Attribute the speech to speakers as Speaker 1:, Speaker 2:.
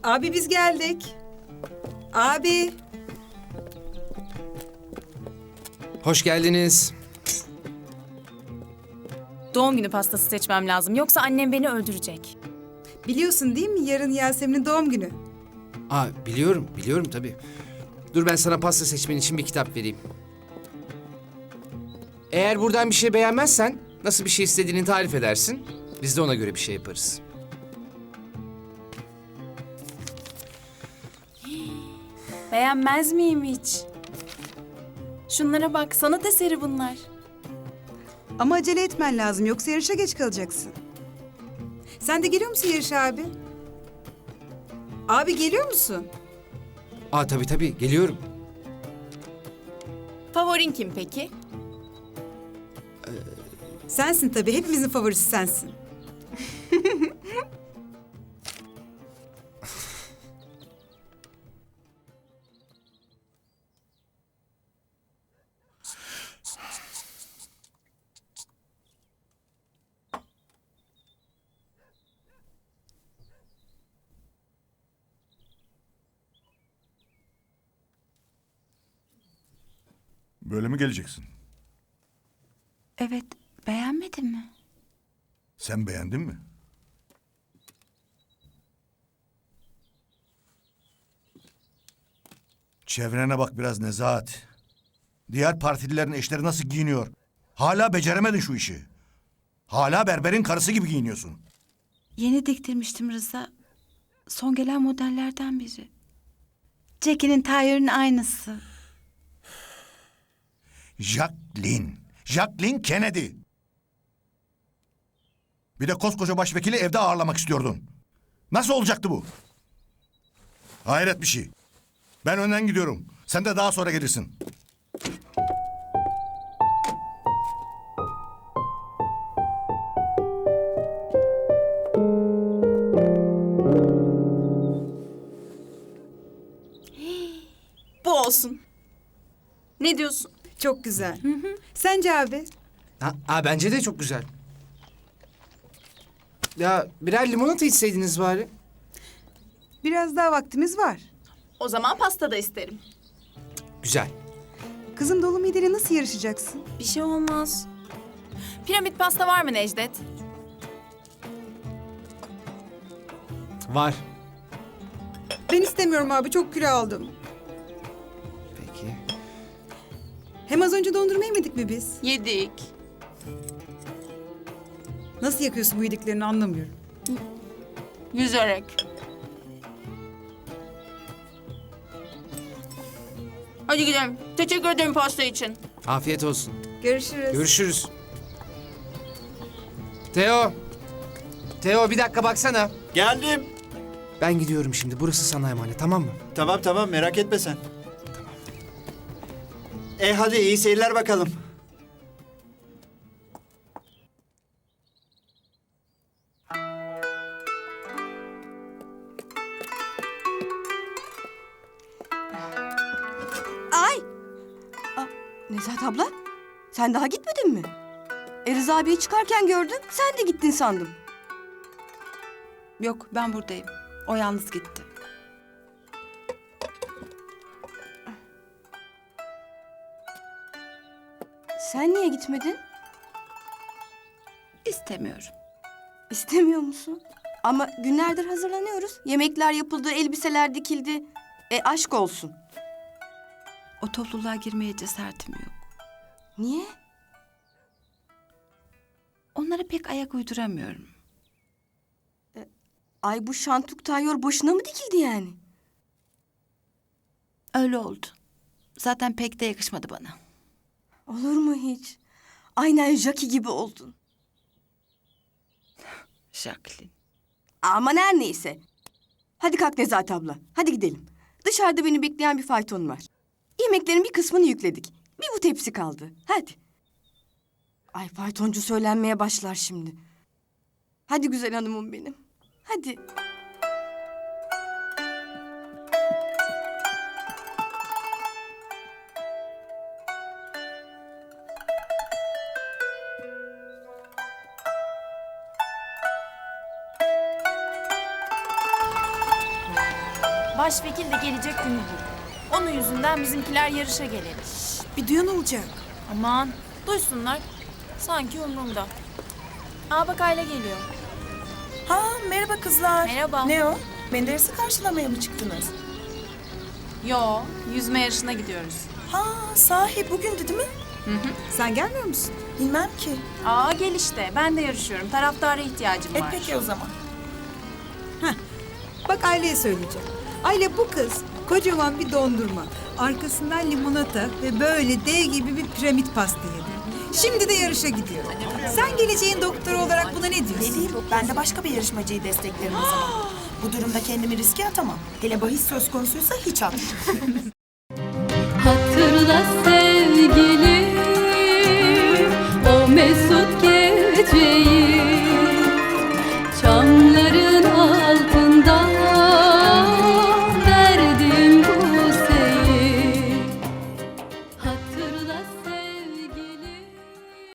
Speaker 1: Abi biz geldik. Abi.
Speaker 2: Hoş geldiniz.
Speaker 3: Doğum günü pastası seçmem lazım. Yoksa annem beni öldürecek.
Speaker 1: Biliyorsun değil mi yarın Yasemin'in doğum günü.
Speaker 2: Biliyorum tabii. Dur ben sana pasta seçmen için bir kitap vereyim. Eğer buradan bir şey beğenmezsen nasıl bir şey istediğini tarif edersin. Biz de ona göre bir şey yaparız.
Speaker 3: Beğenmez miyim hiç? Şunlara bak, sanat eseri bunlar.
Speaker 1: Ama acele etmen lazım yoksa yarışa geç kalacaksın. Sen de geliyor musun yarışa abi? Abi geliyor musun?
Speaker 2: Tabii geliyorum.
Speaker 3: Favorin kim peki?
Speaker 1: Sensin tabii hepimizin favorisi sensin.
Speaker 4: Böyle mi geleceksin?
Speaker 5: Evet, beğenmedin mi?
Speaker 4: Sen beğendin mi? Çevrene bak biraz Nezahat. Diğer partililerin eşleri nasıl giyiniyor? Hala beceremedin şu işi. Hala berberin karısı gibi giyiniyorsun.
Speaker 5: Yeni diktirmiştim Rıza. Son gelen modellerden biri. Jackie'nin Tyre'ın aynısı.
Speaker 4: Jacqueline Kennedy. Bir de koskoca başvekili evde ağırlamak istiyordun. Nasıl olacaktı bu? Hayret bir şey. Ben önden gidiyorum. Sen de daha sonra gelirsin.
Speaker 3: Bu olsun. Ne diyorsun?
Speaker 1: Çok güzel. Sence abi?
Speaker 2: Bence de çok güzel. Ya birer limonata içseydiniz bari.
Speaker 1: Biraz daha vaktimiz var.
Speaker 3: O zaman pasta da isterim.
Speaker 2: Güzel.
Speaker 1: Kızım dolu mideyle nasıl yarışacaksın?
Speaker 3: Bir şey olmaz. Piramit pasta var mı Necdet?
Speaker 2: Var.
Speaker 1: Ben istemiyorum abi çok kilo aldım.
Speaker 2: Peki.
Speaker 1: Hem az önce dondurma yemedik mi biz?
Speaker 3: Yedik.
Speaker 1: Nasıl yakıyorsun bu yediklerini anlamıyorum.
Speaker 3: Yüzerek. Hadi gidelim. Teşekkür ederim pasta için.
Speaker 2: Afiyet olsun.
Speaker 1: Görüşürüz.
Speaker 2: Görüşürüz. Teo bir dakika baksana.
Speaker 6: Geldim.
Speaker 2: Ben gidiyorum şimdi. Burası sana emanet, tamam mı?
Speaker 6: Tamam merak etme sen. Hadi iyi seyirler bakalım.
Speaker 7: Ay! Nezahat abla, sen daha gitmedin mi? Rıza abiyi çıkarken gördüm, sen de gittin sandım.
Speaker 5: Yok, ben buradayım. O yalnız gitti.
Speaker 7: Sen niye gitmedin?
Speaker 5: İstemiyorum.
Speaker 7: İstemiyor musun? Ama günlerdir hazırlanıyoruz. Yemekler yapıldı, elbiseler dikildi. Aşk olsun.
Speaker 5: O topluluğa girmeye cesaretim yok.
Speaker 7: Niye?
Speaker 5: Onlara pek ayak uyduramıyorum.
Speaker 7: Ay bu şantuk tayyor boşuna mı dikildi yani?
Speaker 5: Öyle oldu. Zaten pek de yakışmadı bana.
Speaker 7: Olur mu hiç? Aynen Jackie gibi oldun.
Speaker 5: Jacqueline.
Speaker 7: Aman her neyse. Hadi kalk Nezahat abla, hadi gidelim. Dışarıda beni bekleyen bir fayton var. Yemeklerin bir kısmını yükledik. Bir bu tepsi kaldı, hadi. Ay faytoncu söylenmeye başlar şimdi. Hadi güzel hanımım benim, hadi.
Speaker 3: Başvekil de gelecek günü bu. Onun yüzünden bizimkiler yarışa gelir.
Speaker 1: Bir duyan olacak.
Speaker 3: Aman duysunlar. Sanki umurumda. Aa bak Ayla geliyor.
Speaker 8: Ha merhaba kızlar.
Speaker 3: Merhaba.
Speaker 8: Ne o? Menderes'i karşılamaya mı çıktınız?
Speaker 3: Yo, yüzme yarışına gidiyoruz.
Speaker 8: Ha sahi bugündü değil mi?
Speaker 1: Sen gelmiyor musun?
Speaker 8: Bilmem ki.
Speaker 3: Aa gel işte. Ben de yarışıyorum. Taraftara ihtiyacım var.
Speaker 8: Peki o zaman.
Speaker 1: Bak Aileye söyleyeceğim. Aile bu kız kocaman bir dondurma. Arkasından limonata ve böyle dev gibi bir piramit pasta yedi. Şimdi de yarışa gidiyor. Sen geleceğin doktoru olarak buna ne
Speaker 8: Ne
Speaker 1: diyorsun?
Speaker 8: diyeyim? Ben de başka bir yarışmacıyı desteklerim o zaman. Bu durumda kendimi riske atamam. Hele bahis söz konusuysa hiç atmam.
Speaker 9: Hatırla sevgilim o mesut geceyi